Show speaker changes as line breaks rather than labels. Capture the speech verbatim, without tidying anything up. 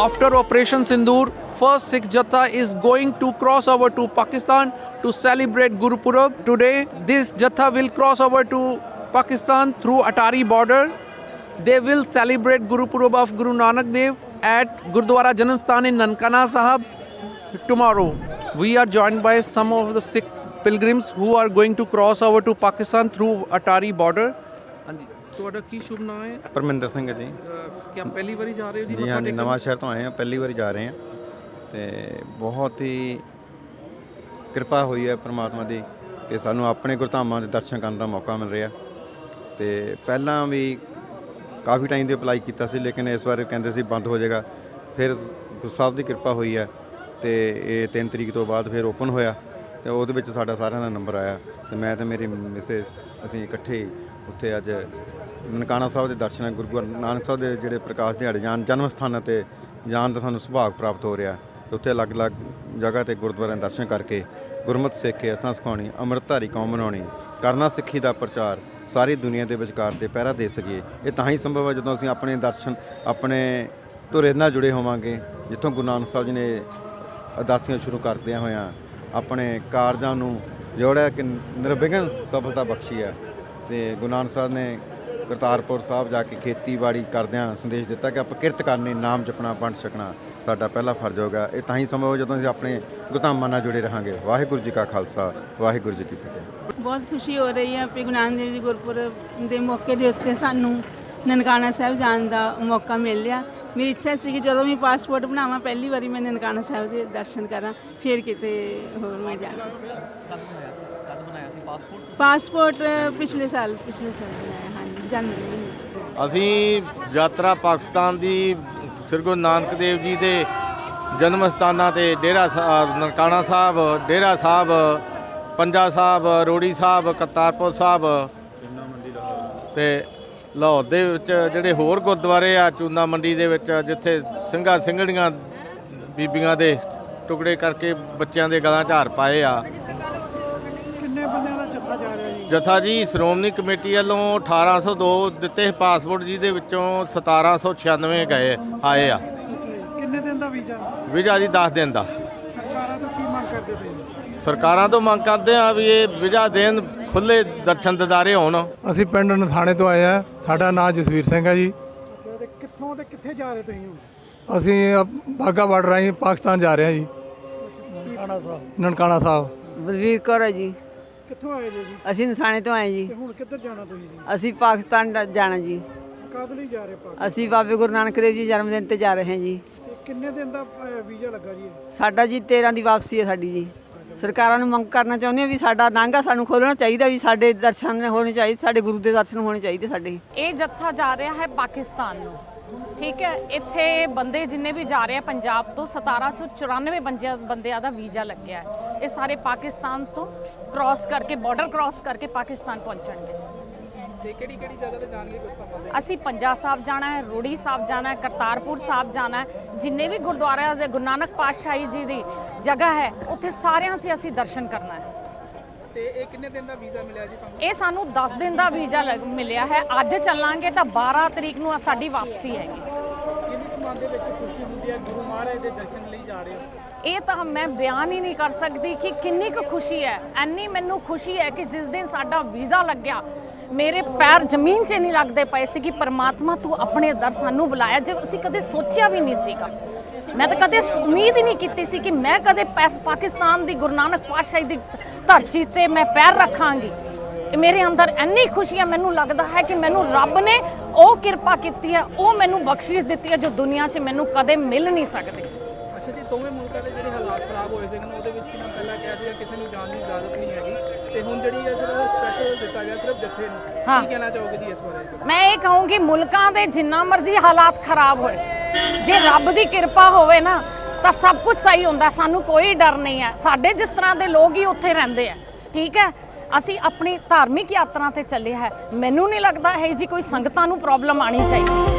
after Operation Sindoor, first Sikh Jatha is going to cross over to Pakistan to celebrate Guru Purab. Today, this Jatha will cross over to Pakistan through Atari border. They will celebrate Guru Purab of Guru Nanak Dev at Gurdwara Janamsthan in Nankana Sahib tomorrow. We are joined by some of the Sikh pilgrims who are going to cross over to Pakistan through Atari border. ਤੁਹਾਡਾ ਕੀ ਸ਼ੁਭ ਨਾਮ ਹੈ?
ਪਰਮਿੰਦਰ ਸਿੰਘ ਜੀ।
ਕੀ ਪਹਿਲੀ ਵਾਰੀ ਜਾ ਰਹੇ ਹੋ ਜੀ?
ਜੀ ਹਾਂਜੀ, ਨਵਾਂ ਸ਼ਹਿਰ ਤੋਂ ਆਏ ਹਾਂ, ਪਹਿਲੀ ਵਾਰੀ ਜਾ ਰਹੇ ਹਾਂ ਤੇ ਬਹੁਤ ਹੀ ਕਿਰਪਾ ਹੋਈ ਹੈ ਪਰਮਾਤਮਾ ਦੀ ਕਿ ਸਾਨੂੰ ਆਪਣੇ ਗੁਰਧਾਮਾਂ ਦੇ ਦਰਸ਼ਨ ਕਰਨ ਦਾ ਮੌਕਾ ਮਿਲ ਰਿਹਾ। ਤੇ ਪਹਿਲਾਂ ਵੀ ਕਾਫੀ ਟਾਈਮ ਦੇ ਅਪਲਾਈ ਕੀਤਾ ਸੀ, ਲੇਕਿਨ ਇਸ ਵਾਰ ਕਹਿੰਦੇ ਸੀ ਬੰਦ ਹੋ ਜਾਏਗਾ। ਫਿਰ ਗੁਰੂ ਸਾਹਿਬ ਦੀ ਕਿਰਪਾ ਹੋਈ ਹੈ ਤੇ ਇਹ ਤਿੰਨ ਤਰੀਕ ਤੋਂ ਬਾਅਦ ਫਿਰ ਓਪਨ ਹੋਇਆ ਤੇ ਉਹਦੇ ਵਿੱਚ ਸਾਡਾ ਸਾਰਿਆਂ ਦਾ ਨੰਬਰ ਆਇਆ ਤੇ ਮੈਂ ਤੇ ਮੇਰੀ ਮਿਸੇਸ ਅਸੀਂ ਇਕੱਠੇ ਉੱਥੇ ਅੱਜ ਨਨਕਾਣਾ ਸਾਹਿਬ ਦੇ ਦਰਸ਼ਨ, ਗੁਰੂ ਨਾਨਕ ਸਾਹਿਬ ਦੇ ਜਿਹੜੇ ਪ੍ਰਕਾਸ਼ ਦਿਹਾੜੇ ਜਾਣ ਜਨਮ ਸਥਾਨਾਂ 'ਤੇ ਜਾਣ ਦਾ ਸਾਨੂੰ ਸੁਭਾਗ ਪ੍ਰਾਪਤ ਹੋ ਰਿਹਾ। ਤੇ ਉੱਥੇ ਅਲੱਗ-ਅਲੱਗ ਜਗ੍ਹਾ 'ਤੇ ਗੁਰਦੁਆਰਿਆਂ ਦੇ ਦਰਸ਼ਨ ਕਰਕੇ ਗੁਰਮਤਿ ਸਿੱਖ ਕੇ ਅਸਾਂ ਸਿਖਾਉਣੀ, ਅੰਮ੍ਰਿਤਧਾਰੀ ਕੌਮ ਬਣਾਉਣੀ, ਕਰਨਾ ਸਿੱਖੀ ਦਾ ਪ੍ਰਚਾਰ ਸਾਰੀ ਦੁਨੀਆ ਦੇ ਵਿਚਕਾਰ ਤੇ ਪਹਿਰਾ ਦੇ ਸਕੀਏ। ਇਹ ਤਾਂ ਹੀ ਸੰਭਵ ਹੈ ਜਦੋਂ ਅਸੀਂ ਆਪਣੇ ਦਰਸ਼ਨ ਆਪਣੇ ਧੁਰੇ ਨਾਲ ਜੁੜੇ ਹੋਵਾਂਗੇ, ਜਿੱਥੋਂ ਗੁਰੂ ਨਾਨਕ ਸਾਹਿਬ ਜੀ ਨੇ ਅਰਦਾਸੀਆਂ ਸ਼ੁਰੂ ਕਰਦਿਆਂ ਹੋਇਆਂ ਆਪਣੇ ਕਾਰਜਾਂ ਨੂੰ ਜੋੜਿਆ ਕਿ ਨਿਰਵਿਘਨ ਸਫਲਤਾ ਬਖਸ਼ੀ ਹੈ। ਤੇ ਗੁਰੂ ਨਾਨਕ ਸਾਹਿਬ ਨੇ ਕਰਤਾਰਪੁਰ ਸਾਹਿਬ ਜਾ ਕੇ ਖੇਤੀਬਾੜੀ ਕਰਦਿਆਂ ਸੰਦੇਸ਼ ਦਿੱਤਾ ਕਿ ਆਪਾਂ ਕਿਰਤ ਕਰਨੀ, ਨਾਮ ਜਪਣਾ, ਵੰਡ ਛਕਣਾ ਸਾਡਾ ਪਹਿਲਾ ਫਰਜ਼ ਹੋਗਾ। ਇਹ ਤਾਂ ਹੀ ਸੰਭਵ ਜਦੋਂ ਅਸੀਂ ਆਪਣੇ ਗੁਰਧਾਮਾਂ ਨਾਲ ਜੁੜੇ ਰਹਾਂਗੇ। ਵਾਹਿਗੁਰੂ ਜੀ ਕਾ ਖਾਲਸਾ, ਵਾਹਿਗੁਰੂ ਜੀ ਕੀ ਫਤਿਹ।
ਬਹੁਤ ਖੁਸ਼ੀ ਹੋ ਰਹੀ ਹੈ ਕਿ ਗੁਰੂ ਨਾਨਕ ਦੇਵ ਜੀ ਗੁਰਪੁਰਬ ਦੇ ਮੌਕੇ ਦੇ ਉੱਤੇ ਸਾਨੂੰ ਨਨਕਾਣਾ ਸਾਹਿਬ ਜਾਣ ਦਾ ਮੌਕਾ ਮਿਲ ਰਿਹਾ। ਮੇਰੀ ਇੱਛਾ ਸੀ ਕਿ ਜਦੋਂ ਵੀ ਪਾਸਪੋਰਟ ਬਣਾਵਾਂ ਪਹਿਲੀ ਵਾਰੀ ਮੈਂ ਨਨਕਾਣਾ ਸਾਹਿਬ ਦੇ ਦਰਸ਼ਨ ਕਰਾਂ, ਫਿਰ ਕਿਤੇ ਹੋਰ ਮੈਂ ਜਾਵਾਂ। ਪਾਸਪੋਰਟ ਪਿਛਲੇ ਸਾਲ ਪਿਛਲੇ ਸਾਲ ਬਣਾਇਆ, ਹਾਂਜੀ ਜਨਵਰੀ ਮਹੀਨੇ।
ਅਸੀਂ ਯਾਤਰਾ ਪਾਕਿਸਤਾਨ ਦੀ ਸ੍ਰੀ ਗੁਰੂ ਨਾਨਕ ਦੇਵ ਜੀ ਦੇ ਜਨਮ ਸਥਾਨਾਂ 'ਤੇ ਡੇਰਾ ਸਾਹਿਬ, ਨਨਕਾਣਾ ਸਾਹਿਬ, ਡੇਰਾ ਸਾਹਿਬ, ਪੰਜਾ ਸਾਹਿਬ, ਰੋੜੀ ਸਾਹਿਬ, ਕਰਤਾਰਪੁਰ ਸਾਹਿਬ ਅਤੇ ਲਾਹੌਰ ਦੇ ਵਿੱਚ ਜਿਹੜੇ ਹੋਰ ਗੁਰਦੁਆਰੇ ਆ, ਚੂਨਾ ਮੰਡੀ ਦੇ ਵਿੱਚ ਜਿੱਥੇ ਸਿੰਘਾਂ ਸਿੰਘਣੀਆਂ ਬੀਬੀਆਂ ਦੇ ਟੁਕੜੇ ਕਰਕੇ ਬੱਚਿਆਂ ਦੇ ਗਲਾਂ 'ਚ ਹਾਰ ਪਾਏ ਆ।
ਕਿੰਨੇ ਬੰਦਿਆਂ ਦਾ ਜੱਥਾ ਜਾ ਰਿਹਾ ਜੀ?
ਜੱਥਾ ਜੀ ਸ਼੍ਰੋਮਣੀ ਕਮੇਟੀ ਵੱਲੋਂ ਅਠਾਰਾਂ ਸੌ ਦੋ ਦਿੱਤੇ ਪਾਸਪੋਰਟ, ਜਿਹਦੇ ਵਿੱਚੋਂ ਸਤਾਰਾਂ ਸੌ ਛਿਆਨਵੇਂ ਗਏ ਆਏ ਆ।
ਕਿੰਨੇ ਦਿਨ ਦਾ ਵੀਜ਼ਾ?
ਵੀਜ਼ਾ ਜੀ ਦਸ ਦਿਨ ਦਾ।
ਸਰਕਾਰਾਂ ਤੋਂ ਕੀ ਮੰਗ ਕਰਦੇ ਪਏ?
ਸਰਕਾਰਾਂ ਤੋਂ ਮੰਗ ਕਰਦੇ ਆ ਵੀ ਇਹ ਵੀਜ਼ਾ ਦੇਣ, ਖੁੱਲ੍ਹੇ ਦਰਸ਼ਨ ਦਿਦਾਰੇ ਹੋਣ।
ਅਸੀਂ ਪਿੰਡ ਨਥਾਣੇ ਤੋਂ ਆਏ ਆ। ਸਾਡਾ ਨਾਮ ਜਸਵੀਰ ਸਿੰਘ ਹੈ ਜੀ।
ਤੇ ਕਿੱਥੋਂ ਤੇ ਕਿੱਥੇ ਜਾ ਰਹੇ ਤੁਸੀਂ ਹੁਣ?
ਅਸੀਂ ਬਾਘਾ ਬਾਰਡਰ ਰਾਹੀਂ ਪਾਕਿਸਤਾਨ ਜਾ ਰਹੇ ਹਾਂ ਜੀ।
ਨਨਕਾਣਾ ਸਾਹਿਬ।
ਨਨਕਾਣਾ ਸਾਹਿਬ।
ਬਲਵੀਰ ਕੌਰ ਹੈ ਜੀ।
ਕਿੱਥੋਂ ਆਏ ਜੀ?
ਅਸੀਂ ਨਥਾਣੇ ਤੋਂ ਆਏ ਜੀ।
ਤੇ ਹੁਣ ਕਿੱਧਰ ਜਾਣਾ ਤੁਸੀਂ ਜੀ?
ਅਸੀਂ ਪਾਕਿਸਤਾਨ ਦਾ ਜਾਣਾ ਜੀ।
ਕਦ ਲਈ ਜਾ ਰਹੇ ਪਾਕਿਸਤਾਨ?
ਅਸੀਂ ਬਾਬੇ ਗੁਰੂ ਨਾਨਕ ਦੇਵ ਜੀ ਜਨਮ ਦਿਨ ਤੇ ਜਾ ਰਹੇ ਹਾਂ ਜੀ।
ਤੇ ਕਿੰਨੇ ਦਿਨ ਦਾ ਅ, ਵੀਜ਼ਾ ਲੱਗਾ ਜੀ?
ਸਾਡਾ ਜੀ ਤੇਰਾਂ ਦੀ ਵਾਪਸੀ ਹੈ ਸਾਡੀ ਜੀ। ਸਰਕਾਰਾਂ ਨੂੰ ਮੰਗ ਕਰਨਾ ਚਾਹੁੰਦੇ ਹਾਂ ਵੀ ਸਾਡਾ ਨਾਂਗਾ ਸਾਨੂੰ ਖੋਲ੍ਹਣਾ ਚਾਹੀਦਾ, ਵੀ ਸਾਡੇ ਦਰਸ਼ਨ ਹੋਣੇ ਚਾਹੀਦੇ, ਸਾਡੇ ਗੁਰੂ ਦੇ ਦਰਸ਼ਨ ਹੋਣੇ ਚਾਹੀਦੇ ਸਾਡੇ।
ਇਹ ਜੱਥਾ ਜਾ ਰਿਹਾ ਹੈ ਪਾਕਿਸਤਾਨ ਨੂੰ, ਠੀਕ ਹੈ। ਇੱਥੇ ਬੰਦੇ ਜਿੰਨੇ ਵੀ ਜਾ ਰਹੇ ਆ ਪੰਜਾਬ ਤੋਂ, ਸਤਾਰਾਂ ਸੌ ਚੁਰਾਨਵੇਂ ਬੰਦਿਆਂ ਬੰਦਿਆਂ ਦਾ ਵੀਜ਼ਾ ਲੱਗਿਆ ਹੈ। ਇਹ ਸਾਰੇ ਪਾਕਿਸਤਾਨ ਤੋਂ ਕ੍ਰਾਸ ਕਰਕੇ, ਬਾਰਡਰ ਕ੍ਰਾਸ ਕਰਕੇ ਪਾਕਿਸਤਾਨ ਪਹੁੰਚਣਗੇ।
ਤੇ ਕਿਹੜੀ ਕਿਹੜੀ ਜਗ੍ਹਾ ਤੇ ਜਾਣਗੇ ਗੁਰਧਾਮਾਂ ਦੇ?
ਅਸੀਂ ਪੰਜਾ ਸਾਹਿਬ ਜਾਣਾ ਹੈ, ਰੋੜੀ ਸਾਹਿਬ ਜਾਣਾ ਹੈ, ਕਰਤਾਰਪੁਰ ਸਾਹਿਬ ਜਾਣਾ ਹੈ। ਜਿੰਨੇ ਵੀ ਗੁਰਦੁਆਰਿਆਂ ਦੇ ਗੁਰੂ ਨਾਨਕ ਪਾਤਸ਼ਾਹੀ ਜੀ ਦੀ ਜਗ੍ਹਾ ਹੈ, ਉੱਥੇ ਸਾਰਿਆਂ 'ਚ ਅਸੀਂ ਦਰਸ਼ਨ ਕਰਨਾ ਹੈ।
ਤੇ ਇਹ ਕਿੰਨੇ ਦਿਨ ਦਾ ਵੀਜ਼ਾ ਮਿਲਿਆ ਜੀ ਤੁਹਾਨੂੰ?
ਇਹ ਸਾਨੂੰ ਦਸ ਦਿਨ ਦਾ ਵੀਜ਼ਾ ਮਿਲਿਆ ਹੈ। ਅੱਜ ਚੱਲਾਂਗੇ ਤਾਂ ਬਾਰਾਂ ਤਰੀਕ ਨੂੰ ਸਾਡੀ ਵਾਪਸੀ ਹੈਗੀ।
ਕਿੰਨੀ ਮਨ ਦੇ ਵਿੱਚ ਖੁਸ਼ੀ ਹੁੰਦੀ ਹੈ ਗੁਰੂ ਮਹਾਰਾਜ ਦੇ ਦਰਸ਼ਨ ਲਈ ਜਾ ਰਹੇ ਹੋ?
ਇਹ ਤਾਂ ਮੈਂ ਬਿਆਨ ਹੀ ਨਹੀਂ ਕਰ ਸਕਦੀ ਕਿ ਕਿੰਨੀ ਕੁ ਖੁਸ਼ੀ ਹੈ। ਐਨੀ ਮੈਨੂੰ ਖੁਸ਼ੀ ਹੈ ਕਿ ਜਿਸ ਦਿਨ ਸਾਡਾ ਵੀਜ਼ਾ ਲੱਗਿਆ, ਮੇਰੇ ਪੈਰ ਜ਼ਮੀਨ 'ਚ ਨਹੀਂ ਲੱਗਦੇ ਪਏ ਸੀ ਕਿ ਪਰਮਾਤਮਾ ਤੂੰ ਆਪਣੇ ਦਰ ਸਾਨੂੰ ਬੁਲਾਇਆ, ਜੇ ਅਸੀਂ ਕਦੇ ਸੋਚਿਆ ਵੀ ਨਹੀਂ ਸੀਗਾ। ਮੈਂ ਤਾਂ ਕਦੇ ਉਮੀਦ ਹੀ ਨਹੀਂ ਕੀਤੀ ਸੀ ਕਿ ਮੈਂ ਕਦੇ ਪਾਕਿਸਤਾਨ ਦੀ ਗੁਰੂ ਨਾਨਕ ਪਾਤਸ਼ਾਹੀ ਦੀ ਧਰਤੀ 'ਤੇ ਮੈਂ ਪੈਰ ਰੱਖਾਂਗੀ। ਮੇਰੇ ਅੰਦਰ ਇੰਨੀ ਖੁਸ਼ੀ ਹੈ, ਮੈਨੂੰ ਲੱਗਦਾ ਹੈ ਕਿ ਮੈਨੂੰ ਰੱਬ ਨੇ ਉਹ ਕਿਰਪਾ ਕੀਤੀ ਹੈ, ਉਹ ਮੈਨੂੰ ਬਖਸ਼ਿਸ਼ ਦਿੱਤੀ ਹੈ ਜੋ ਦੁਨੀਆ 'ਚ ਮੈਨੂੰ ਕਦੇ ਮਿਲ ਨਹੀਂ ਸਕਦੀ।
ਅੱਛਾ ਜੀ, ਦੋਵੇਂ ਮੁਲਕਾਂ ਦੇ ਜਿਹੜੇ ਹਾਲਾਤ ਖਰਾਬ ਹੋਏ ਸੀਗੇ ਉਹਦੇ ਵਿੱਚ ਕਿਨਾਂ ਪਹਿਲਾਂ ਕਿਹਾ ਸੀਗਾ ਕਿਸੇ ਨੂੰ ਜਾਣ ਦੀ ਇਜਾਜ਼ਤ ਨਹੀਂ ਹੈਗੀ, ਤੇ ਹੁਣ ਜਿਹੜੀ ਹੈ ਸਿਰਫ ਸਪੈਸ਼ਲ ਦਿੱਤਾ ਗਿਆ ਸਿਰਫ ਜੱਥੇ ਨੂੰ। ਕੀ ਕਹਿਣਾ ਚਾਹੋਗੇ ਜੀ ਇਸ ਬਾਰੇ?
ਮੈਂ ਇਹ ਕਹੂੰਗੀ ਮੁਲਕਾਂ ਦੇ ਜਿੰਨਾ ਮਰਜ਼ੀ ਹਾਲਾਤ ਖਰਾਬ ਹੋਏ, ਜੇ ਰੱਬ ਦੀ ਕਿਰਪਾ ਹੋਵੇ ਨਾ ਤਾਂ ਸਭ ਕੁਝ ਸਹੀ ਹੁੰਦਾ। ਸਾਨੂੰ ਕੋਈ ਡਰ ਨਹੀਂ ਹੈ। ਸਾਡੇ ਜਿਸ ਤਰ੍ਹਾਂ ਦੇ ਲੋਕ ਹੀ ਉੱਥੇ ਰਹਿੰਦੇ ਆ, ਠੀਕ ਹੈ। ਅਸੀਂ ਆਪਣੀ ਧਾਰਮਿਕ ਯਾਤਰਾ ਤੇ ਚੱਲੇ ਹੈ। ਮੈਨੂੰ ਨਹੀਂ ਲੱਗਦਾ ਹੈ ਜੀ ਕੋਈ ਸੰਗਤਾਂ ਨੂੰ ਪ੍ਰੋਬਲਮ ਆਣੀ ਚਾਹੀਦੀ।